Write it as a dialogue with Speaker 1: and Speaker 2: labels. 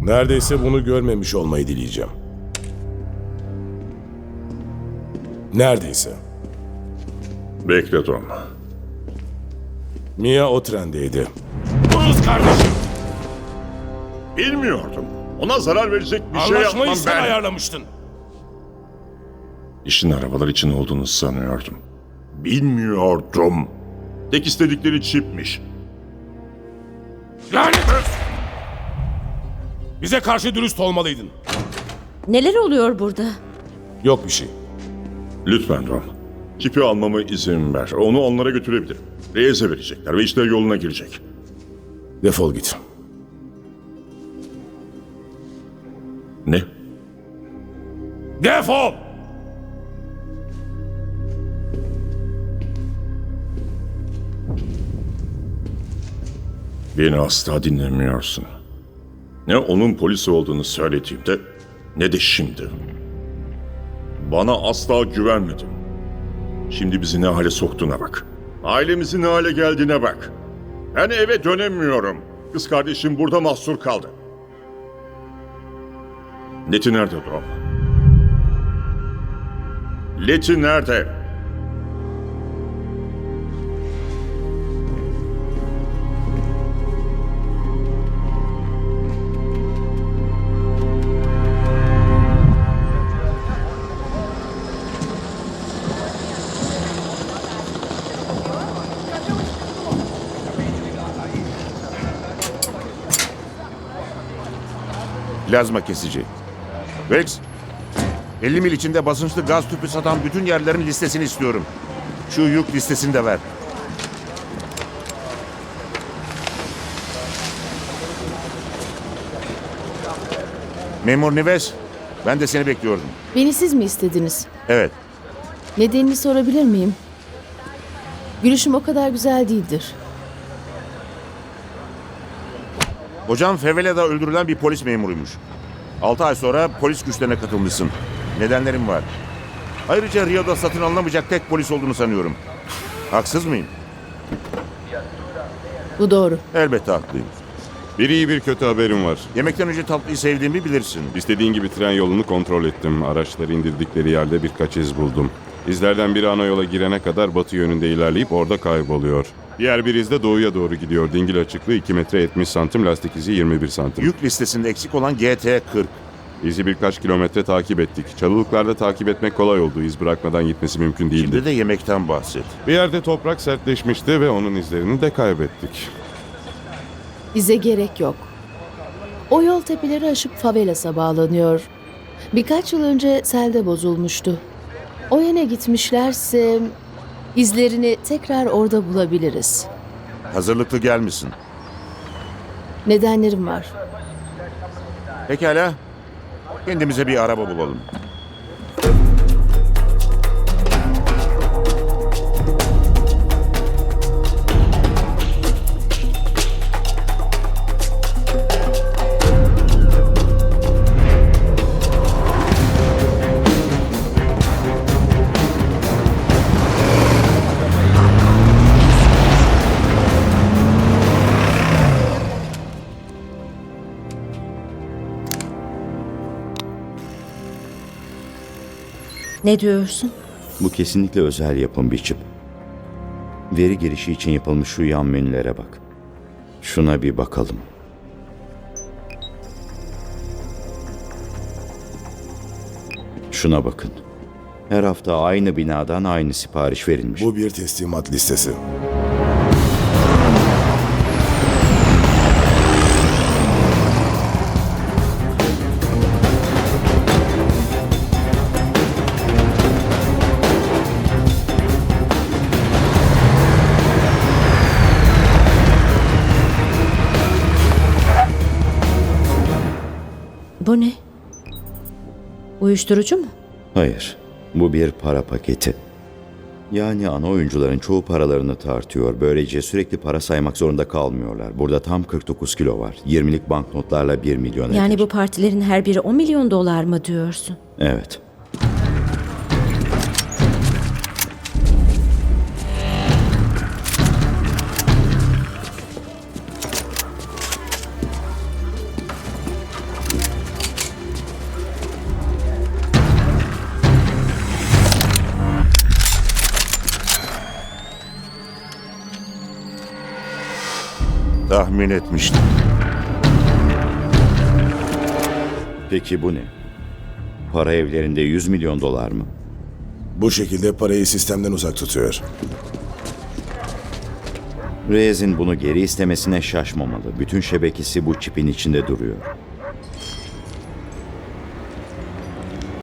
Speaker 1: Neredeyse bunu görmemiş olmayı dileyeceğim. Neredeyse.
Speaker 2: Bekle Tom.
Speaker 1: Mia o trendeydi. Kız kardeşim.
Speaker 2: Bilmiyordum. Ona zarar verecek bir şey yapmam
Speaker 1: Anlaşmayı sen
Speaker 2: ben.
Speaker 1: ayarlamıştın.
Speaker 2: İşin arabalar için olduğunu sanıyordum. Bilmiyordum. Tek istedikleri çipmiş.
Speaker 1: Lanet olsun. Bize karşı dürüst olmalıydın.
Speaker 3: Neler oluyor burada?
Speaker 1: Yok bir şey.
Speaker 2: Lütfen Tom. Çipi almama izin ver. Onu onlara götürebilirim. Reyes'e verecekler ve işler yoluna girecek.
Speaker 1: Defol git.
Speaker 2: Ne?
Speaker 1: Defol!
Speaker 2: Beni asla dinlemiyorsun. Ne onun polis olduğunu söylediğimde ne de şimdi. Bana asla güvenmedin. Şimdi bizi ne hale soktuğuna bak. Ailemizin ne hale geldiğine bak. Ben eve dönemiyorum. Kız kardeşim burada mahsur kaldı. Leti nerede Dom? Leti nerede?
Speaker 4: Plazma kesici. Rex, 50 mil içinde basınçlı gaz tüpü satan bütün yerlerin listesini istiyorum. Şu yük listesini de ver. Memur Nives, ben de seni bekliyordum.
Speaker 3: Beni siz mi istediniz?
Speaker 4: Evet,
Speaker 3: Nedenini sorabilir miyim? Gülüşüm o kadar güzel değildir.
Speaker 4: hocam Fevela'da öldürülen bir polis memuruymuş. 6 ay sonra polis güçlerine katılmışsın. Nedenlerim var. Ayrıca Rio'da satın alınamayacak tek polis olduğunu sanıyorum. Haksız mıyım?
Speaker 3: Bu doğru.
Speaker 4: Elbette haklıyım.
Speaker 5: Bir iyi bir kötü haberim var.
Speaker 4: Yemekten önce tatlıyı sevdiğimi bilirsin.
Speaker 5: İstediğin gibi tren yolunu kontrol ettim. Araçları indirdikleri yerde birkaç iz buldum. İzlerden biri ana yola girene kadar batı yönünde ilerleyip orada kayboluyor. Diğer bir iz de doğuya doğru gidiyor. Dingil açıklığı 2 metre 70 santim, lastik izi 21 santim.
Speaker 4: Yük listesinde eksik olan GT40.
Speaker 5: İzi birkaç kilometre takip ettik. Çalılıklarda takip etmek kolay oldu. İz bırakmadan gitmesi mümkün değildi.
Speaker 4: Şimdi de yemekten bahset.
Speaker 5: Bir yerde toprak sertleşmişti ve onun izlerini de kaybettik.
Speaker 3: Bize gerek yok. O yol tepeleri aşıp favelas'a bağlanıyor. Birkaç yıl önce selde bozulmuştu. O yana gitmişlerse izlerini tekrar orada bulabiliriz.
Speaker 4: Hazırlıklı gelmişsin.
Speaker 3: Nedenlerim var.
Speaker 4: Pekala. Kendimize bir araba bulalım.
Speaker 3: Ne diyorsun?
Speaker 6: Bu kesinlikle özel yapım bir çip. Veri girişi için yapılmış şu yan menülere bak. Şuna bir bakalım. Şuna bakın. Her hafta aynı binadan aynı sipariş verilmiş.
Speaker 1: Bu bir teslimat listesi.
Speaker 3: Bu ne? Uyuşturucu mu?
Speaker 6: Hayır, bu bir para paketi. Yani ana oyuncuların çoğu paralarını tartıyor. Böylece sürekli para saymak zorunda kalmıyorlar. Burada tam 49 kilo var. 20'lik banknotlarla 1 milyon
Speaker 3: Yani
Speaker 6: eder.
Speaker 3: bu partilerin her biri 10 milyon dolar mı diyorsun?
Speaker 6: Evet.
Speaker 4: Tahmin etmiştim.
Speaker 6: Peki bu ne? Para evlerinde 100 milyon dolar mı?
Speaker 7: Bu şekilde parayı sistemden uzak tutuyor.
Speaker 6: Reyes'in bunu geri istemesine şaşmamalı. Bütün şebekesi bu çipin içinde duruyor.